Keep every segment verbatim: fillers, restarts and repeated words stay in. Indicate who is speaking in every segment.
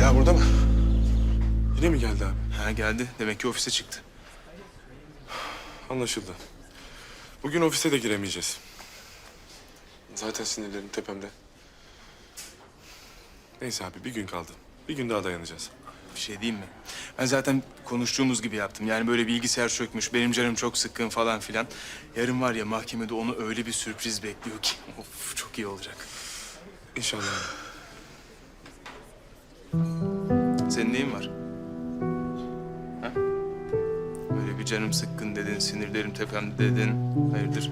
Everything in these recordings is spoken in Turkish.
Speaker 1: Ceyda burada mı? Yine mi geldi abi?
Speaker 2: Ha geldi. Demek ki ofise çıktı.
Speaker 1: Anlaşıldı. Bugün ofise de giremeyeceğiz. Zaten sinirlerim tepemde. Neyse abi bir gün kaldı. Bir gün daha dayanacağız.
Speaker 2: Bir şey diyeyim mi? Ben zaten konuştuğumuz gibi yaptım. Yani böyle bilgisayar çökmüş, benim canım çok sıkkın falan filan. Yarın var ya mahkemede onu öyle bir sürpriz bekliyor ki. Of çok iyi olacak.
Speaker 1: İnşallah.
Speaker 2: Senin neyin var? Ha? Böyle bir canım sıkkın dedin, sinirlerim tepemde dedin. Hayırdır?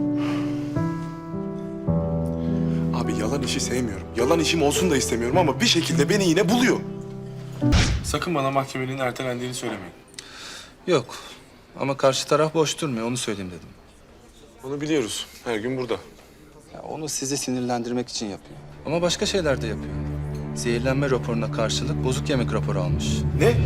Speaker 1: Abi yalan işi sevmiyorum. Yalan işim olsun da istemiyorum ama bir şekilde beni yine buluyor. Sakın bana mahkemenin ertelendiğini söylemeyin.
Speaker 3: Yok. Ama karşı taraf boş durmuyor. Onu söyleyeyim dedim.
Speaker 1: Onu biliyoruz. Her gün burada.
Speaker 3: Ya onu sizi sinirlendirmek için yapıyor. Ama başka şeyler de yapıyor. Zehirlenme raporuna karşılık bozuk yemek raporu almış.
Speaker 1: Ne?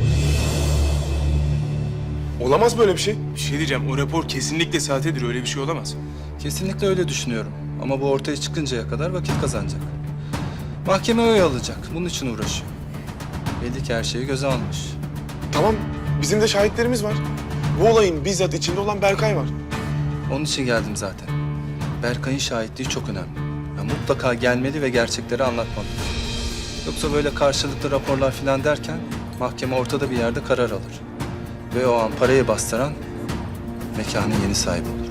Speaker 1: Olamaz böyle bir şey.
Speaker 2: Bir şey diyeceğim. O rapor kesinlikle sahtedir. Öyle bir şey olamaz.
Speaker 3: Kesinlikle öyle düşünüyorum. Ama bu ortaya çıkıncaya kadar vakit kazanacak. Mahkeme oy alacak. Bunun için uğraşıyor. Belli ki her şeyi göze almış.
Speaker 1: Tamam, bizim de şahitlerimiz var. Bu olayın bizzat içinde olan Berkay var.
Speaker 3: Onun için geldim zaten. Berkay'ın şahitliği çok önemli. Ya mutlaka gelmeli ve gerçekleri anlatmalı. Yoksa böyle karşılıklı raporlar falan derken mahkeme ortada bir yerde karar alır. Ve o an parayı bastıran mekanın yeni sahibi olur.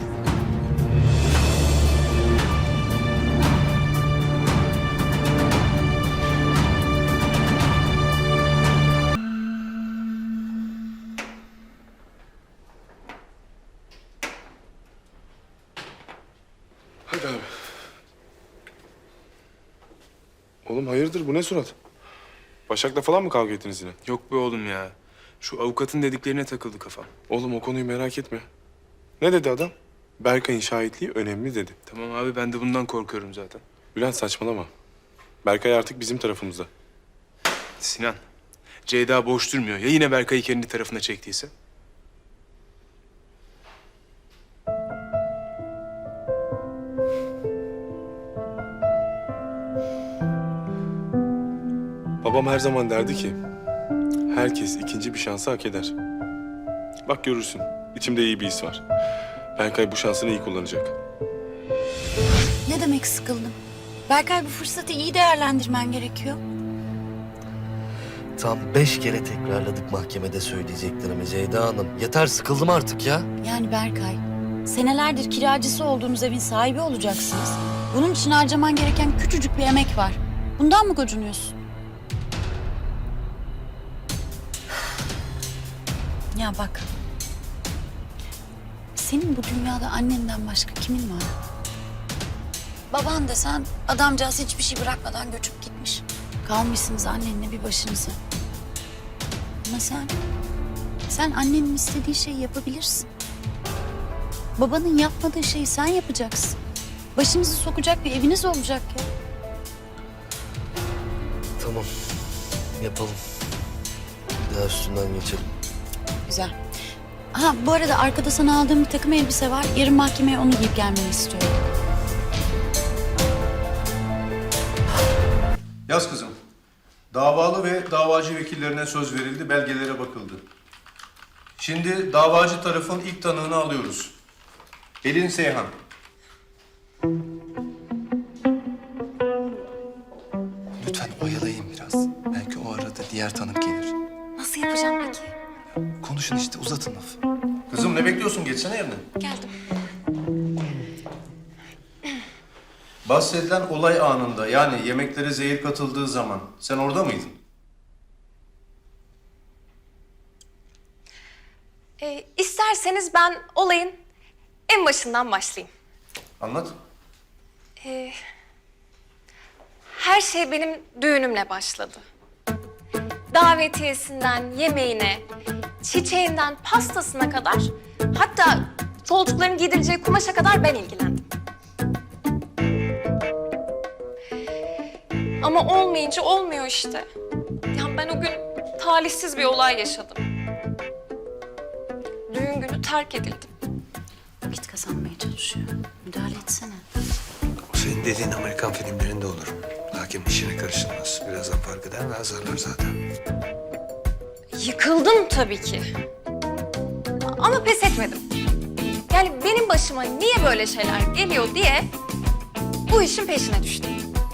Speaker 1: Hadi abi. Oğlum hayırdır bu ne surat? Başak'la falan mı kavga ettiniz yine?
Speaker 2: Yok be oğlum ya. Şu avukatın dediklerine takıldı kafam.
Speaker 1: Oğlum o konuyu merak etme. Ne dedi adam? Berkay'ın şahitliği önemli dedi.
Speaker 2: Tamam abi ben de bundan korkuyorum zaten.
Speaker 1: Bülent saçmalama. Berkay artık bizim tarafımızda.
Speaker 2: Sinan, Ceyda boş durmuyor. Ya yine Berkay'ı kendi tarafına çektiyse?
Speaker 1: Babam her zaman derdi ki... herkes ikinci bir şansı hak eder. Bak görürsün. İçimde iyi bir his var. Berkay bu şansını iyi kullanacak.
Speaker 4: Ne demek sıkıldım? Berkay bu fırsatı iyi değerlendirmen gerekiyor.
Speaker 5: Tam beş kere tekrarladık mahkemede söyleyeceklerimi Ceyda Hanım. Yeter sıkıldım artık ya.
Speaker 4: Yani Berkay, senelerdir kiracısı olduğunuz evin sahibi olacaksınız. Bunun için harcaman gereken küçücük bir emek var. Bundan mı gocunuyorsun? Ya bak, senin bu dünyada annenden başka kimin var? Baban desen adamcağız hiçbir şey bırakmadan göçüp gitmiş. Kalmışsınız annenle bir başınıza. Ama sen, sen annenin istediği şeyi yapabilirsin. Babanın yapmadığı şeyi sen yapacaksın. Başınızı sokacak bir eviniz olacak ya.
Speaker 5: Tamam yapalım. Bir daha üstünden geçelim.
Speaker 4: Güzel. Ha bu arada arkada sana aldığım bir takım elbise var. Yarın mahkemeye onu giyip gelmeni istiyorum.
Speaker 6: Yaz kızım. Davalı ve davacı vekillerine söz verildi, belgelere bakıldı. Şimdi davacı tarafın ilk tanığını alıyoruz. Pelin Seyhan.
Speaker 3: Lütfen oyalayın biraz. Belki o arada diğer tanık gelir.
Speaker 4: Nasıl yapacağım peki?
Speaker 3: Konuşun işte uzatın lafı.
Speaker 6: Kızım ne bekliyorsun? Geçsene yerine.
Speaker 4: Geldim.
Speaker 6: Bahsedilen olay anında yani yemeklere zehir katıldığı zaman sen orada mıydın?
Speaker 7: Ee, isterseniz ben olayın en başından başlayayım.
Speaker 6: Anlat.
Speaker 7: Ee, her şey benim düğünümle başladı. Davetiyesinden yemeğine, çiçeğinden pastasına kadar, hatta çocukların giydireceği kumaşa kadar ben ilgilendim. Ama olmayınca olmuyor işte. Ya ben o gün talihsiz bir olay yaşadım. Düğün günü terk edildim.
Speaker 4: Vakit kazanmaya çalışıyor. Müdahale etsene.
Speaker 8: O senin dediğin Amerikan filmlerinde olur. Takip hakim işine karışılmaz. Birazdan fark eder ve azarlar zaten.
Speaker 7: Yıkıldım tabii ki. Ama pes etmedim. Yani benim başıma niye böyle şeyler geliyor diye bu işin peşine düştüm.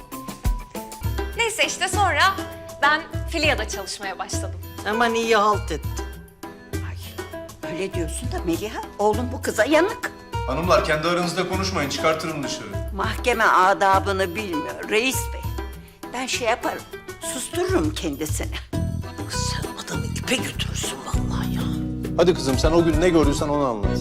Speaker 7: Neyse işte sonra ben Filya'da çalışmaya başladım.
Speaker 9: Aman iyi halt ettin. Ay, öyle diyorsun da Meliha, oğlum bu kıza yanık.
Speaker 6: Hanımlar kendi aranızda konuşmayın, çıkartırım dışarı.
Speaker 9: Mahkeme adabını bilmiyor reis bey. Ben şey yaparım, sustururum kendisini. Sen adamı ipe götürürsün vallahi ya.
Speaker 6: Hadi kızım sen o gün ne gördüysen onu anlat.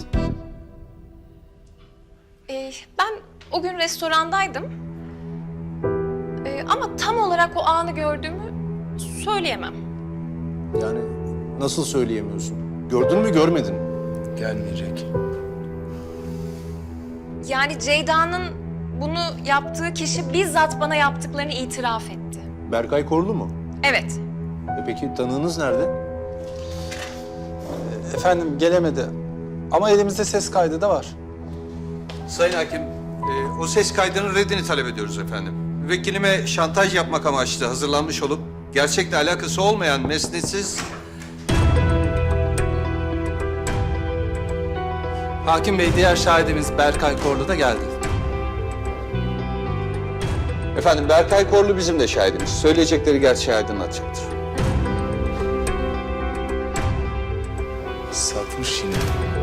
Speaker 7: Ee, ben o gün restorandaydım. Ee, ama tam olarak o anı gördüğümü söyleyemem.
Speaker 6: Yani nasıl söyleyemiyorsun? Gördün mü görmedin mi?
Speaker 8: Gelmeyecek.
Speaker 7: Yani Ceyda'nın bunu yaptığı kişi bizzat bana yaptıklarını itiraf etti.
Speaker 6: Berkay Korlu mu?
Speaker 7: Evet.
Speaker 6: E peki tanığınız nerede?
Speaker 3: Efendim gelemedi. Ama elimizde ses kaydı da var.
Speaker 8: Sayın Hakim, e, o ses kaydının reddini talep ediyoruz efendim. Müvekkilime şantaj yapmak amaçlı hazırlanmış olup gerçekle alakası olmayan mesnetsiz...
Speaker 3: Hakim Bey, diğer şahidimiz Berkay Korlu da geldi.
Speaker 8: Efendim Berkay Korlu bizim de şahidimiz. Söyleyecekleri gerçeği aydınlatacaktır.
Speaker 2: Satmış yine.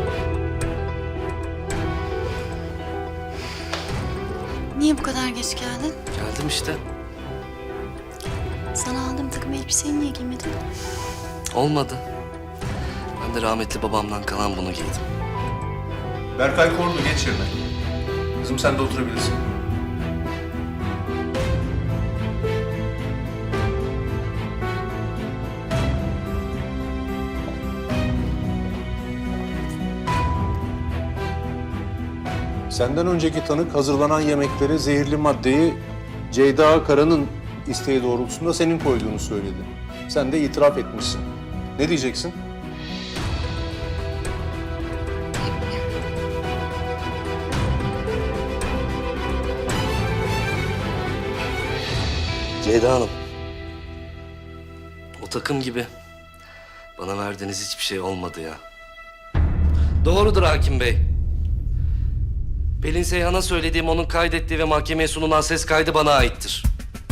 Speaker 4: Niye bu kadar geç geldin?
Speaker 5: Geldim işte.
Speaker 4: Sana aldığım takım elbiseyi niye giymedin?
Speaker 5: Olmadı. Ben de rahmetli babamdan kalan bunu giydim.
Speaker 6: Berkay Korlu geç yerine. Kızım sen de oturabilirsin. Senden önceki tanık hazırlanan yemekleri, zehirli maddeyi Ceyda Kara'nın isteği doğrultusunda senin koyduğunu söyledi. Sen de itiraf etmişsin. Ne diyeceksin?
Speaker 5: Ceyda Hanım. O takım gibi. Bana verdiğiniz hiçbir şey olmadı ya. Doğrudur hakim bey. Pelin Seyhan'a söylediğim, onun kaydettiği ve mahkemeye sunulan ses kaydı bana aittir.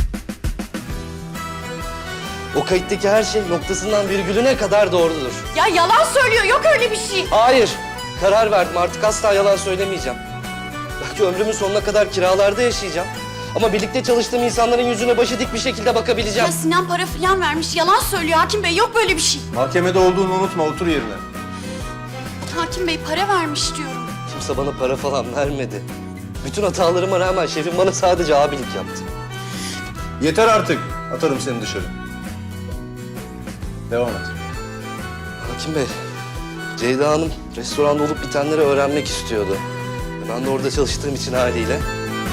Speaker 5: O kayıttaki her şey noktasından virgülüne kadar doğrudur.
Speaker 7: Ya yalan söylüyor, yok öyle bir şey.
Speaker 5: Hayır, karar verdim. Artık asla yalan söylemeyeceğim. Belki ömrümün sonuna kadar kiralarda yaşayacağım. Ama birlikte çalıştığım insanların yüzüne başı dik bir şekilde bakabileceğim.
Speaker 4: Ya Sinan para falan vermiş. Yalan söylüyor Hakim Bey. Yok böyle bir şey.
Speaker 6: Mahkemede olduğunu unutma, otur yerine.
Speaker 4: Hakim Bey para vermiş diyorum.
Speaker 5: Kimse bana para falan vermedi. Bütün hatalarıma rağmen şefim bana sadece abilik yaptı.
Speaker 6: Yeter artık. Atarım seni dışarı. Devam et.
Speaker 5: Hakim Bey, Ceyda Hanım restoranda olup bitenleri öğrenmek istiyordu. Ben de orada çalıştığım için haliyle.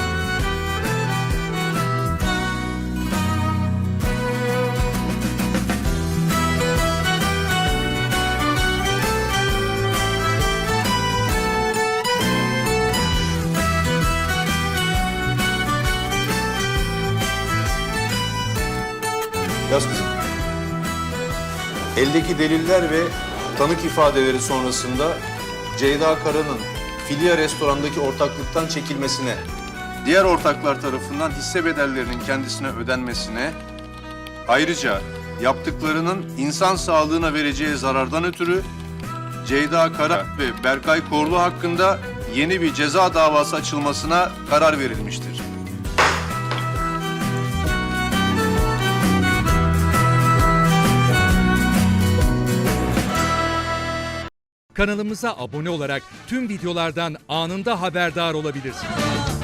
Speaker 6: Yaz kızım. Eldeki deliller ve tanık ifadeleri sonrasında Ceyda Kara'nın Filya restorandaki ortaklıktan çekilmesine, diğer ortaklar tarafından hisse bedellerinin kendisine ödenmesine, ayrıca yaptıklarının insan sağlığına vereceği zarardan ötürü Ceyda Kara ve Berkay Korlu hakkında yeni bir ceza davası açılmasına karar verilmiştir.
Speaker 10: Kanalımıza abone olarak tüm videolardan anında haberdar olabilirsiniz.